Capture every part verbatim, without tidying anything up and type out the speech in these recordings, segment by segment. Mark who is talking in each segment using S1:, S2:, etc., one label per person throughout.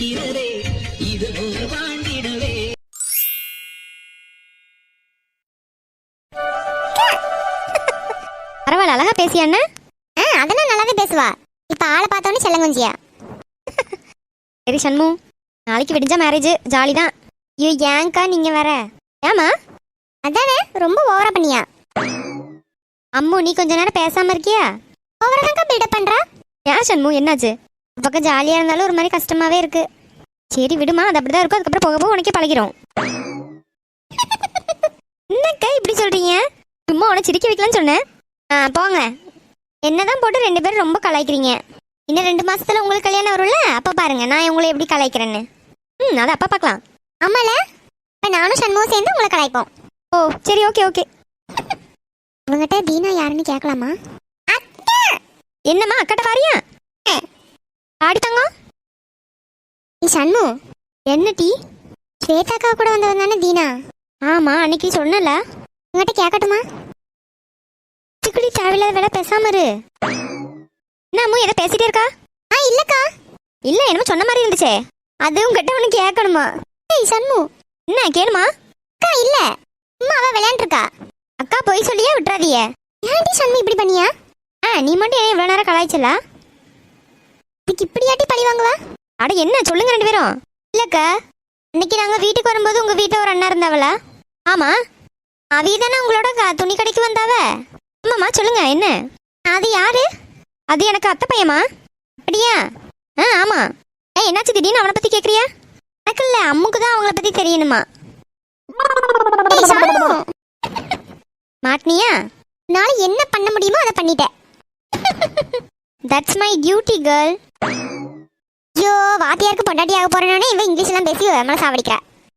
S1: வீரரே இது போல் வாழ்ந்திடவே.
S2: பரவாயில்ல, அழகா பேசியா அண்ணா? ஆ, அதெல்லாம் நல்லாவே பேசுவா. இப்ப ஆளை பார்த்தோன்னே செல்லங்குஞ்சியா. சரி சண்மு, நாளைக்கு விடிஞ்சா மேரேஜ், ஜாலி தான். ஐயோ ஏங்கா நீங்க வேற. ஏமா? அதானே ரொம்ப ஓவரா பண்ணியா. அம்மு நீ கொஞ்ச நேரம் பேசாம இருக்கியா? ஓவரா தான்க்கா பில்டப் பண்றா. ஏன் சண்மு என்னாச்சு? பக்கம் ஜாலியா இருந்தாலும் ஒரு மாதிரி கஷ்டமாவே இருக்கு. சரி விடுமா, அது அப்படிதான் இருக்கும். அதுக்கப்புறம் போக போக உனக்கே பழகிறோம். என்னக்கா இப்படி சொல்றீங்க? சும்மா உன சிரிக்க வைக்கலான்னு சொன்னேன். ஆ போங்க. என்னதான் போட்டு ரெண்டு பேரும் ரொம்ப கலாய்க்கிறீங்க. இன்னும் ரெண்டு மாசத்துல உங்களுக்கு கல்யாணம் வரும்ல, அப்ப பாருங்க நான் உங்களை எப்படி கலாய்க்கிறேன்னு. ம் அதை அப்பா பார்க்கலாம். ஆமால, இப்போ நானும் சண்முகம் சேர்ந்து உங்களை கலாய்ப்போம். ஓ சரி, ஓகே ஓகே. உங்ககிட்ட தீனா யாருன்னு கேட்கலாமா? என்னம்மா அக்கட்ட வாரியா? ஆடி தங்கம். நீ சண்மு என்ன டீ? ஸ்வேதாக்கா கூட வந்தவன் தானே தீனா? ஆமா, அன்னைக்கு சொன்னல. உங்ககிட்ட கேட்கட்டுமா? சிக்குடி தேவையில்லாத வேலை பேசாம இரு. என்ன அம்மு எதை பேசிட்டே இருக்கா? ஆ இல்லக்கா. இல்ல என்னமோ சொன்ன மாதிரி இருந்துச்சே. அது உங்ககிட்ட ஒன்று கேட்கணுமா? ஏய் சண்மு, என்ன கேளுமா? அக்கா இல்ல, அம்மா அவ விளையாண்டு இருக்கா. அக்கா போய் சொல்லியே விட்டுறாதியே. ஏன்டி சண்மு இப்படி பண்ணியா? ஆ நீ மட்டும் ஏன் இவ்வளோ நேரம் கலாய்ச்சலா? இதுக்கு இப்படியாட்டி பழி வாங்குவா? அட என்ன சொல்லுங்க ரெண்டு பேரும். இல்லக்கா, இன்னைக்கு நாங்க வீட்டுக்கு வரும்போது உங்க வீட்டில் ஒரு அண்ணா இருந்தாவளா? ஆமா, அவி தானே உங்களோட துணி கடைக்கு வந்தாவ. ஆமாம்மா சொல்லுங்க என்ன? அது யாரு? அது எனக்கு அத்தை பையமா. அப்படியா? ஆ ஆமா. ஏ என்னாச்சு திடீர்னு அவனை பத்தி கேட்குறியா? எனக்கு இல்லை, அம்முக்கு தான் அவங்கள பத்தி தெரியணுமா. மாட்டினியா? நாளை என்ன பண்ண முடியுமோ அதை பண்ணிட்டேன். That's my duty girl. ஐயோ வாத்தியாருக்கு பொண்டாட்டி ஆக போறேனே இவன் இங்கிலீஷ் எல்லாம் பேசி நம்மள சாவடிக்கிறா.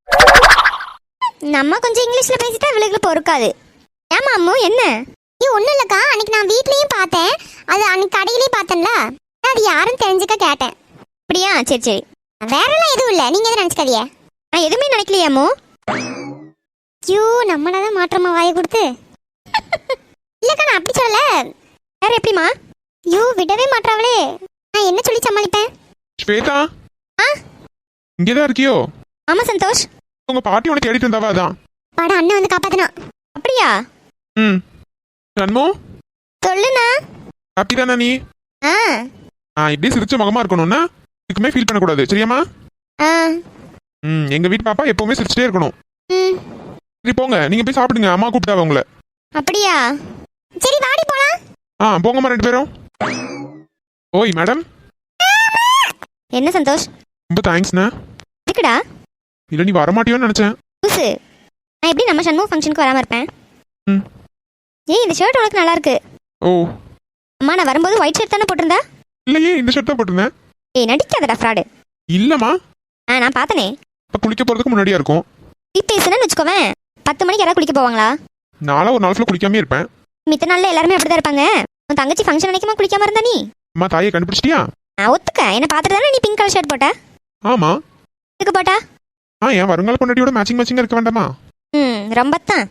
S2: நம்ம கொஞ்சம் இங்கிலீஷ்ல பேசிட்டா இவளுக்கு பொறுக்காது. ஏமா அம்மு என்ன? நீ ஒன்றும் இல்லைக்கா, அன்னைக்கு நான் வீட்லேயும் பார்த்தேன், அது அன்னைக்கு கடையிலையும் பார்த்தேன்ல, அது யாருன்னு தெரிஞ்சுக்க கேட்டேன். அப்படியா? சரி சரி, வேறெல்லாம் எதுவும் இல்லை, நீங்கள் எதுவும் நினச்சிக்காதியே. நான் எதுவுமே நினைக்கலையாமோ. ஐயோ நம்மளாதான் மாற்றமா வாயை கொடுத்து. இல்லைக்கா நான் அப்படி சொல்லல. வேற எப்படிமா? ஐயோ விடவே மாட்டாவளே, நான் என்ன சொல்லி சமாளிப்பேன்?
S3: ஸ்வேதா,
S2: ஆ
S3: இங்கேதான் இருக்கியோ?
S2: ஆமா சந்தோஷ்.
S3: உங்க பாட்டி உனக்கு தேடிட்டு இருந்தாவா? அதான்
S2: பாடா அண்ணன் வந்து காப்பாத்தினா. அப்படியா?
S3: ம் சண்மு
S2: சொல்லுண்ணா.
S3: ஹாப்பி தானே நீ?
S2: ஆ
S3: ஆ இப்படியே சிரிச்ச முகமா இருக்கணும்னா இதுக்குமே ஃபீல் பண்ணக்கூடாது, சரியாமா?
S2: ஆ
S3: ம் எங்க வீட்டு பாப்பா எப்பவுமே சிரிச்சிட்டே இருக்கணும்.
S2: ம்
S3: சரி போங்க, நீங்க போய் சாப்பிடுங்க, அம்மா கூப்பிட்டாவ உங்களை.
S2: அப்படியா? சரி வாடி போலாம்.
S3: ஆ போங்கம்மா ரெண்டு பேரும். ஓய் மேடம்.
S2: என்ன சந்தோஷ்?
S3: ரொம்ப தேங்க்ஸ்ண்ணா.
S2: இருக்குடா.
S3: இல்லை நீ வரமாட்டியோன்னு நினச்சேன்.
S2: புதுசு, நான் எப்படி நம்ம சண்முக ஃபங்க்ஷனுக்கு வராமல் இருப்பேன்?
S3: ம்
S2: ஏய் இந்த ஷர்ட் உனக்கு நல்லா இருக்கு.
S3: ஓ
S2: அம்மா நான் வரும்போது ஒயிட் ஷர்ட் தானே போட்டிருந்தா?
S3: இல்லையே, இந்த ஷர்ட் தான் போட்டிருந்தேன்.
S2: ஏய் நடிக்காதடா ஃப்ராடு.
S3: இல்லைம்மா,
S2: ஆ நான் பார்த்தனே.
S3: இப்போ குளிக்க போகிறதுக்கு முன்னாடியா இருக்கும்.
S2: டீ பேசுனேன்னு வச்சுக்கோவேன், பத்து மணிக்கு யாராவது குளிக்க போவாங்களா?
S3: நானும் ஒரு நாள் ஃபுல்லாக குளிக்காமே இருப்பேன்.
S2: மித்த நாளில் எல்லாருமே அப்படி தான் இருப்பாங்க. உன் தங்கச்சி ஃபங்க்ஷன் அன்னைக்குமா குளிக்காம இருந்தா நீ?
S3: அம்மா தாயை கண்டுபிடிச்சிட்டியா?
S2: நான் ஒத்துக்க, என்ன பார்த்துட்டு தானே நீ பிங்க் கலர் ஷர்ட் போட்ட.
S3: ஆமா.
S2: எதுக்கு போட்டா?
S3: ஆ என் வருங்கால பொண்டாட்டியோட மேட்சிங் மேட்சிங்காக இருக்க வேண்டாமா?
S2: ம் ரொம்ப தான்.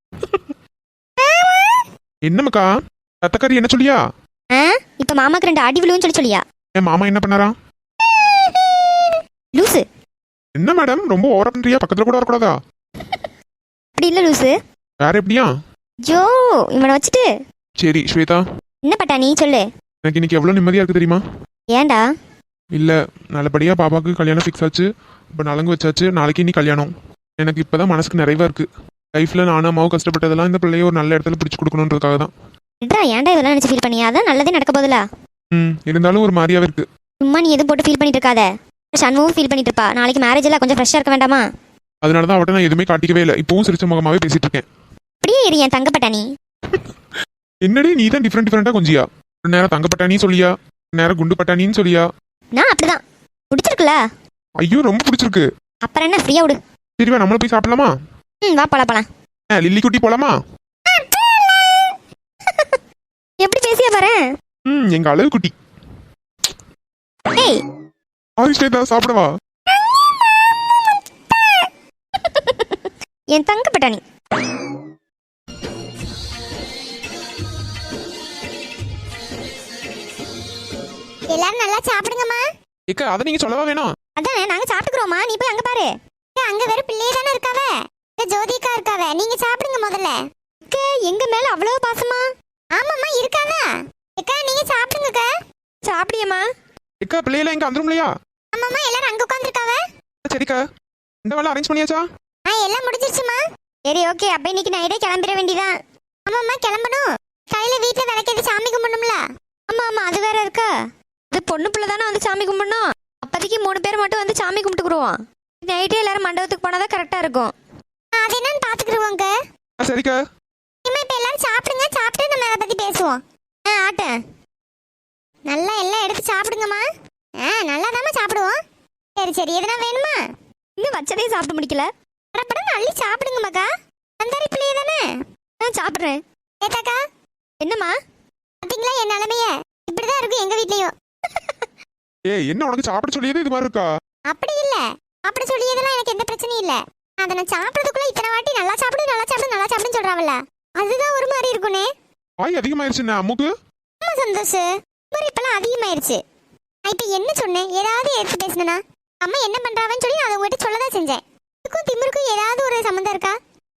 S3: என்னம்மாக்கா தத்தக்காரி என்ன சொல்லியா?
S2: ஆ இப்போ மாமாக்கு ரெண்டு அடி விழுவுன்னு சொல்லி சொல்லியா?
S3: என் மாமா என்ன பண்ணாரா?
S2: லூசு.
S3: என்ன மேடம் ரொம்ப ஓவரா பண்றியா? பக்கத்துல கூட வரக்கூடாதா?
S2: அப்படி இல்லை லூசு.
S3: வேற எப்படியா?
S2: ஜோ இவனை வச்சுட்டு.
S3: சரி ஸ்வேதா,
S2: என்ன பட்டா நீ சொல்லு.
S3: எனக்கு இன்னைக்கு எவ்வளோ நிம்மதியா இருக்கு தெரியுமா?
S2: ஏன்டா?
S3: இல்ல நல்லபடியா பாப்பாவுக்கு கல்யாணம் ஃபிக்ஸ் ஆச்சு, இப்போ நலங்கு வச்சாச்சு, நாளைக்கு நீ கல்யாணம். எனக்கு இப்பதான் மனசுக்கு நிறைவா இருக்கு. லைஃப்ல நானும் அம்மாவும் கஷ்டப்பட்டதெல்லாம் இந்த பிள்ளைய ஒரு நல்ல இடத்துல பிடிச்சு கொடுக்கணுன்றதுக்காக தான்.
S2: இதா ஏன்டா இதெல்லாம் நினைச்சு ஃபீல் பண்ணியா? அதான் நல்லதே நடக்க போதில்ல.
S3: ம் இருந்தாலும் ஒரு மாதிரியாவே இருக்கு.
S2: சும்மா நீ எதுவும் போட்டு ஃபீல் பண்ணிட்டு இருக்காத. சண்முகம் ஃபீல் பண்ணிட்டு இருப்பா. நாளைக்கு மேரேஜ் எல்லாம் கொஞ்சம் ஃப்ரெஷ்ஷா இருக்க வேண்டாமா?
S3: அதனால தான் அவட்ட நான் எதுவுமே காட்டிக்கவே இல்லை, இப்பவும் சிரிச்ச முகமாவே பேசிட்டு இருக்கேன்.
S2: அப்படியே இரு என் தங்கப்பட்டா நீ.
S3: என்னடி நீ தான் டிஃப்ரெண்ட் டிஃப்ரெண்டா கொஞ்சியா? ஒரு நேரம் தங்கப்பட்டானி சொல்லியா, ஒரு நேரம் குண்டு பட்டானின்னு சொல்லியா?
S2: நான் அப்படிதான். பிடிச்சிருக்குல்ல?
S3: ஐயோ ரொம்ப பிடிச்சிருக்கு.
S2: அப்புறம் என்ன, ஃப்ரீயா விடு.
S3: சரிவா நம்மள போய் சாப்பிடலாமா?
S2: ம் வா போலாம் போலாம்.
S3: லில்லி குட்டி போலாமா?
S2: எப்படி பேசியா பாரு.
S3: ம் எங்க அழகு குட்டி.
S2: ஏய்
S3: ஆரிஷ்டா சாப்பிடவா?
S2: என் தங்கப்பட்டா நீ. எல்லாரும் நல்லா சாப்பிடுங்கம்மா.
S3: ஏக்கா அத நீங்க சொல்லவா வேணும்?
S2: அதானே நாங்க சாப்பிட்டுக்கிறோமா, நீ போய் அங்க பாரு. ஏ, அங்க வேற பிள்ளையே தானே இருக்காவ, இங்க ஜோதிகா இருக்காவ, நீங்க சாப்பிடுங்க முதல்ல. அக்கா, எங்க மேல அவ்வளவு பாசமா? ஆமாம்மா இருக்காதா. அக்கா நீங்க சாப்பிடுங்கக்கா. சாப்பிடியம்மா.
S3: எக்கா பிள்ளையில எங்க வந்துரும்லையா?
S2: ஆமாம்மா எல்லாரும் அங்க உட்காந்துருக்காவ.
S3: சரிக்கா, இந்த வேலை அரேஞ்ச் பண்ணியாச்சா?
S2: ஆ எல்லாம் முடிஞ்சிருச்சுமா. சரி ஓகே, அப்ப இன்னைக்கு நைட்டே கிளம்பிட வேண்டியதான். ஆமாம்மா கிளம்பணும். கையில வீட்டுல விளக்கேத்தி சாமி கும்பிடணும்ல. ஆமா ஆமா அது வேற இருக்கா. இது பொண்ணு பிள்ளை தானே வந்து சாமி கும்பிடணும். அப்போதைக்கு மூணு பேர் மட்டும் வந்து சாமி கும்பிட்டுக்குருவோம். நைட்டே எல்லாரும் மண்டபத்துக்கு போனாதான் கரெக்டா இருக்கும். அது என்னன்னு பாத்துக்கிடுவோங்க.
S3: சரிக்கா.
S2: இனிமே இப்ப எல்லாரும் சாப்பிடுங்க, சாப்பிட்டு நம்ம அதை பத்தி பேசுவோம். ஆ ஆட்டேன். நல்லா எல்லாம் எடுத்து சாப்பிடுங்கம்மா. ஆ நல்லா தாம்மா சாப்பிடுவோம். சரி சரி, எதுனா வேணுமா? இன்னும் வச்சதே சாப்பிட்டு முடிக்கல. படப்படம் அள்ளி சாப்பிடுங்க மகா. அந்தாரி பிள்ளையே தானே. நான் சாப்பிட்றேன். ஏத்தாக்கா. என்னம்மா? பார்த்தீங்களா என் நிலைமைய? இப்படிதான் இருக்கும் எங்க வீட்லயும்.
S3: ஏய், என்ன உனக்கு சாப்பிட சொல்லியது இது மாதிரி இருக்கா?
S2: அப்படி இல்ல, அப்படி சொல்லியதெல்லாம் எனக்கு எந்த பிரச்சனையும் இல்ல. அதை நான் சாப்பிட்றதுக்குள்ள இத்தனை வாட்டி நல்லா சாப்பிடு நல்லா சாப்பிடு நல்லா சாப்பிடுன்னு சொல்றாவல்ல, அதுதான் ஒரு மாதிரி இருக்குனே.
S3: வாய் அதிகமாயிருச்சுண்ணே அம்முக்கு.
S2: ஆமா சந்தோஷ், ஒரு இப்பெல்லாம் அதிகமாயிருச்சு. நான் இப்ப என்ன சொன்னேன்? ஏதாவது எடுத்து பேசினா அம்மா என்ன பண்றாவன்னு சொல்லி நான் உங்ககிட்ட சொல்லதான் செஞ்சேன். இதுக்கும் திமிருக்கும் ஏதாவது ஒரு சம்மந்தம் இருக்கா?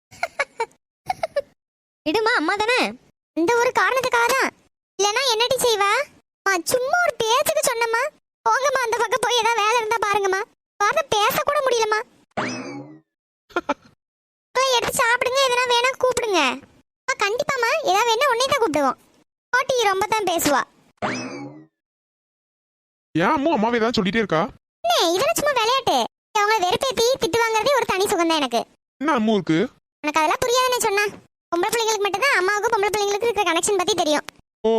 S2: விடுமா, அம்மா தானே. அந்த ஒரு காரணத்துக்காக தான். இல்லைன்னா என்னடி செய்வா? சும்மா ஒரு பேச்சுக்கு சொன்னம்மா. போங்கம்மா அந்த பக்கம் போய் ஏதாவது வேலை இருந்தா பாருங்கம்மா. வார்த்தை பேச கூட முடியலம்மா. எடுத்து சாப்பிடுங்க, எதனா வேணா கூப்பிடுங்க. கண்டிப்பாமா ஏதாவது வேணா உன்னை தான் கூப்பிடுவோம். பாட்டி ரொம்ப தான் பேசுவா.
S3: ஏன் அம்மா அம்மாவே ஏதாவது சொல்லிட்டே இருக்கா?
S2: இதெல்லாம் சும்மா விளையாட்டு. அவங்க வெறுப்பேத்தி திட்டு வாங்குறதே ஒரு தனி சுகம் தான் எனக்கு.
S3: என்ன அம்மு இருக்கு?
S2: எனக்கு அதெல்லாம் புரியாதுன்னு சொன்னா. பொம்பளை பிள்ளைங்களுக்கு மட்டும் தான் அம்மாவுக்கும் பொம்பளை பிள்ளைங்களுக்கு இருக்கிற கனெக்ஷன் பத்தி தெரியும்.
S3: ஓ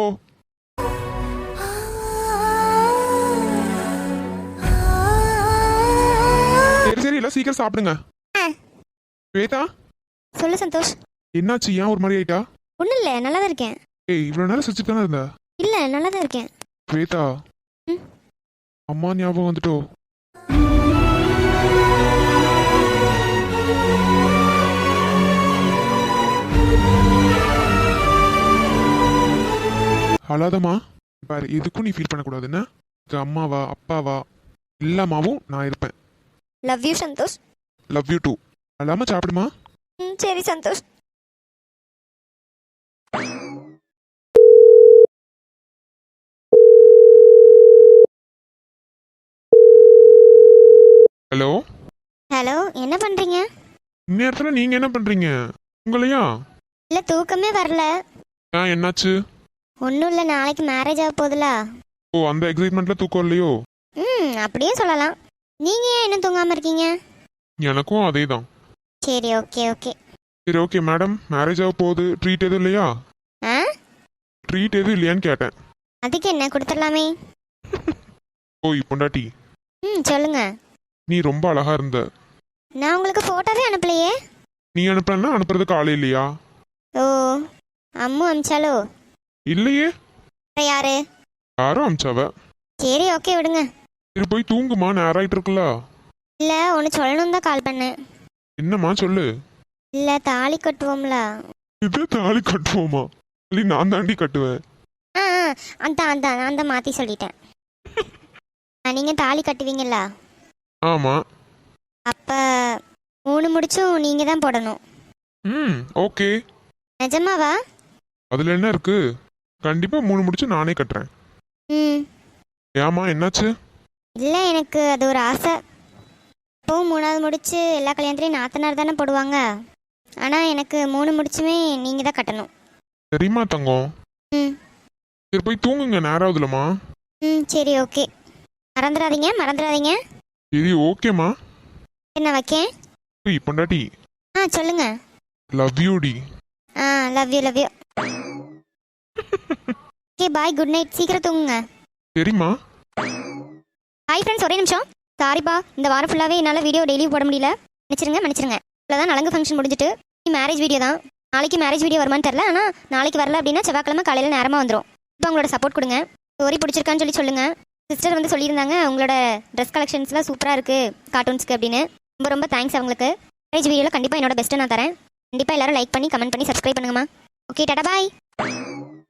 S3: சரி சரி, எல்லாம் சீக்கிரம் சாப்பிடுங்க. ஸ்வேதா
S2: சொல்லு சந்தோஷ்.
S3: என்னாச்சு, ஏன் ஒரு மாதிரி ஆயிட்டா?
S2: ஒன்றும் இல்லை, நல்லா தான் இருக்கேன்.
S3: ஏய், இவ்வளவு நேரம் சிரிச்சுட்டு தானே இருந்த?
S2: இல்லை நல்லா தான் இருக்கேன்.
S3: ஸ்வேதா, அம்மா ஞாபகம் வந்துட்டோ? அழாதம்மா. பாரு, எதுக்கும் நீ ஃபீல் பண்ணக்கூடாதுன்னு. அம்மாவா அப்பாவா எல்லாமாவும் நான் இருப்பேன்.
S2: Love you Santhosh.
S3: Love you too. அழாம சாப்பிடுமா.
S2: ம் சரி சந்தோஷ்.
S3: ஹலோ
S2: ஹலோ, என்ன பண்றீங்க?
S3: இந்நேரத்துல நீங்க என்ன பண்றீங்க? உங்களையா?
S2: இல்ல தூக்கமே வரல.
S3: ஏன், என்னாச்சு?
S2: ஒன்றும் இல்லை, நாளைக்கு மேரேஜ் ஆக போகுதுல.
S3: ஓ, அந்த எக்ஸைட்மெண்ட்ல தூக்கம் இல்லையோ?
S2: ம் அப்படியே சொல்லலாம். நீங்க ஏன் இன்னும் தூங்காம இருக்கீங்க?
S3: எனக்கும் அதே தான்.
S2: சரி ஓகே ஓகே.
S3: சரி ஓகே மேடம், மேரேஜ் ஆக போகுது, ட்ரீட் எதுவும் இல்லையா?
S2: ஆ
S3: ட்ரீட் எதுவும் இல்லையான்னு கேட்டேன்.
S2: அதுக்கு என்ன, கொடுத்துடலாமே.
S3: ஓய் பொண்டாட்டி,
S2: ம் சொல்லுங்க.
S3: நீ ரொம்ப அழகா இருந்த.
S2: நான் உங்களுக்கு போட்டோவே அனுப்பலையே.
S3: நீ அனுப்பலன்னா அனுப்புறதுக்கு ஆளே இல்லையா?
S2: ஓ, அம்மு அமிச்சாலோ?
S3: இல்லையே.
S2: அப்புறம் யாரு?
S3: யாரும் அமிச்சாவ.
S2: சரி ஓகே விடுங்க.
S3: சரி போய் தூங்குமா, நேரம் ஆயிட்டு இருக்குல்ல.
S2: இல்லை ஒன்று சொல்லணும் தான் கால் பண்ணேன்.
S3: என்னம்மா சொல்லு.
S2: இல்லை தாலி கட்டுவோம்ல.
S3: இது தாலி கட்டுவோமா? இல்லை நான் தாண்டி கட்டுவேன்.
S2: ஆ ஆ, அதான் அதான் நான் தான் மாற்றி சொல்லிட்டேன். நீங்கள் தாலி கட்டுவீங்களா?
S3: ஆமா.
S2: அப்போ மூணு முடிச்சும் நீங்கள் தான் போடணும்.
S3: ம் ஓகே.
S2: நிஜமாவா?
S3: அதுல என்ன இருக்கு, கண்டிப்பா மூணு முடிச்சு நானே கட்டுறேன்.
S2: ம்
S3: ஏமா என்னாச்சு?
S2: இல்லை எனக்கு அது ஒரு ஆசை. இப்போவும் மூணாவது முடிச்சு எல்லா கல்யாணத்துலேயும் நாத்தனார் தானே போடுவாங்க. ஆனால் எனக்கு மூணு முடிச்சுமே நீங்கள் தான் கட்டணும்.
S3: சரிம்மா தங்கம்.
S2: ம்
S3: சரி போய் தூங்குங்க, நேரம் ஆகுதுலம்மா.
S2: ம் சரி ஓகே. மறந்துடாதீங்க மறந்துடாதீங்க.
S3: சரி ஓகேம்மா.
S2: என்ன வைக்கேன்?
S3: ஏய் பொண்டாட்டி.
S2: ஆ சொல்லுங்க.
S3: லவ் யூ டி.
S2: ஆ love you love you. Okay bye, good night, சீக்கிரம் தூங்குங்க.
S3: சரிம்மா.
S2: ஹாய் ஃப்ரெண்ட்ஸ், ஒரே நிமிஷம். சாரிப்பா, இந்த வாரம் ஃபுல்லாகவே என்னால் வீடியோ டெய்லி போட முடியல. மன்னிச்சிருங்க மன்னிச்சிருங்க. இவ்வளோதான், நலங்கு ஃபங்க்ஷன் முடிஞ்சிட்டு மேரேஜ் வீடியோ தான். நாளைக்கு மேரேஜ் வீடியோ வருமான்னு தெரில, ஆனால் நாளைக்கு வரல அப்படின்னா செவ்வாய்க்கிழமை காலையில் நேரமாக வந்துடும். இப்போ உங்களோட சப்போர்ட் கொடுங்க. ஸ்டோரி பிடிச்சிருக்கான்னு சொல்லி சொல்லுங்கள். சிஸ்டர் வந்து சொல்லியிருந்தாங்க உங்களோட ட்ரெஸ் கலெக்ஷன்ஸ்லாம் சூப்பராக இருக்குது கார்ட்டூன்ஸ்க்கு அப்படின்னு. ரொம்ப ரொம்ப தேங்க்ஸ் அவங்களுக்கு. மேரேஜ் வீடியோவில் கண்டிப்பாக என்னோட பெஸ்ட்டை நான் தரேன். கண்டிப்பாக எல்லாரும் லைக் பண்ணி கமெண்ட் பண்ணி சப்ஸ்கிரைப் பண்ணுங்கம்மா. ஓகே டாடா பாய்.